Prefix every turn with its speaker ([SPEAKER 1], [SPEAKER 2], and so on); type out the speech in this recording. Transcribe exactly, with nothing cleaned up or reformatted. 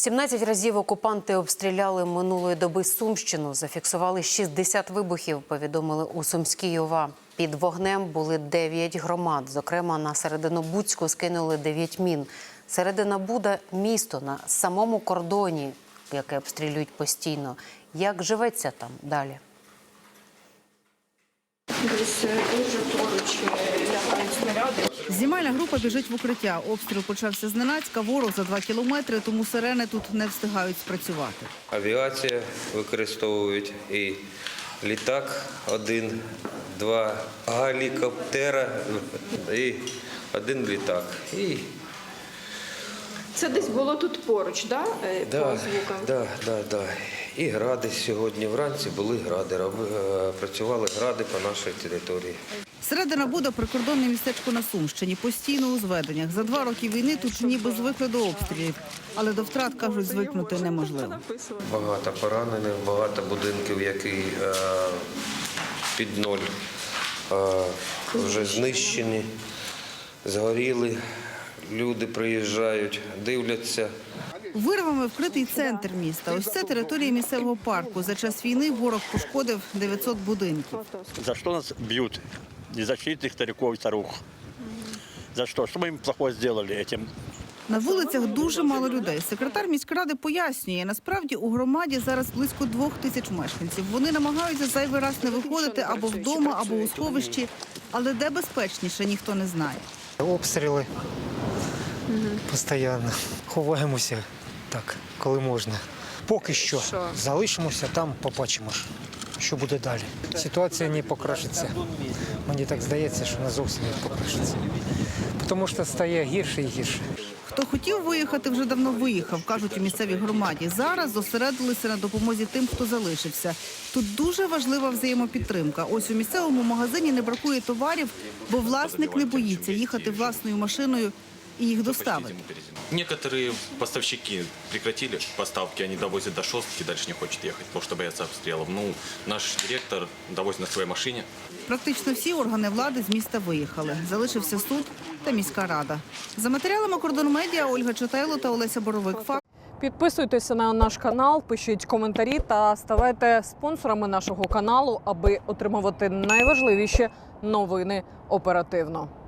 [SPEAKER 1] сімнадцять разів окупанти обстріляли минулої доби Сумщину. Зафіксували шістдесят вибухів, повідомили у Сумській ОВА. Під вогнем були дев'ять громад. Зокрема, на Серединобудську скинули дев'ять мін. Серединобуда – місто на самому кордоні, яке обстрілюють постійно. Як живеться там далі?
[SPEAKER 2] Десь дуже поруч лягають снаряди.
[SPEAKER 3] Знімальна група біжить в укриття. Обстріл почався зненацька, ворог за два кілометри, тому сирени тут не встигають спрацювати.
[SPEAKER 4] Авіація використовують і літак один, два гелікоптера і один літак. І...
[SPEAKER 2] Це десь було тут поруч, да?
[SPEAKER 4] Да,
[SPEAKER 2] по звукам?
[SPEAKER 4] да, да, да. І гради сьогодні вранці були гради, працювали гради по нашій території.
[SPEAKER 3] Серединобуда – прикордонне містечко на Сумщині, постійно у зведеннях. За два роки війни тут ніби звикли до обстрілів, але до втрат, кажуть, звикнути неможливо.
[SPEAKER 4] Багато поранених, багато будинків, які е, під ноль е, вже знищені, згоріли. Люди приїжджають, дивляться.
[SPEAKER 3] Вирвами вкритий центр міста. Ось це територія місцевого парку. За час війни ворог пошкодив дев'ятсот будинків.
[SPEAKER 5] За що нас б'ють? Незащитних стариків і старух. За що? Що ми їм плохого зробили цим?
[SPEAKER 3] На вулицях дуже мало людей. Секретар міськради пояснює, насправді у громаді зараз близько двох тисяч мешканців. Вони намагаються зайвий раз не виходити або вдома, або у сховищі. Але де безпечніше, ніхто не знає.
[SPEAKER 6] Обстріли постійно. Ховаємося так, коли можна. Поки що залишимося, там побачимо, що буде далі. Ситуація не покращиться. Мені так здається, що не зовсім не покращиться. Тому що стає гірше і гірше.
[SPEAKER 3] Хто хотів виїхати, вже давно виїхав, кажуть у місцевій громаді. Зараз зосередилися на допомозі тим, хто залишився. Тут дуже важлива взаємопідтримка. Ось у місцевому магазині не бракує товарів, бо власник не боїться їхати власною машиною і їх доставити.
[SPEAKER 7] Некоторые поставщики прекратили поставки, они довозят до Шостки, дальше не хочет ехать, потому что боятся обстрелов. Ну, наш директор довозит на своей машине.
[SPEAKER 3] Практично всі органи влади з міста виїхали. Залишився суд та міська рада. За матеріалами «Кордон Медіа» Ольга Читайло та Олеся Боровик.
[SPEAKER 8] Підписуйтеся на наш канал, пишіть коментарі та ставайте спонсорами нашого каналу, аби отримувати найважливіші новини оперативно.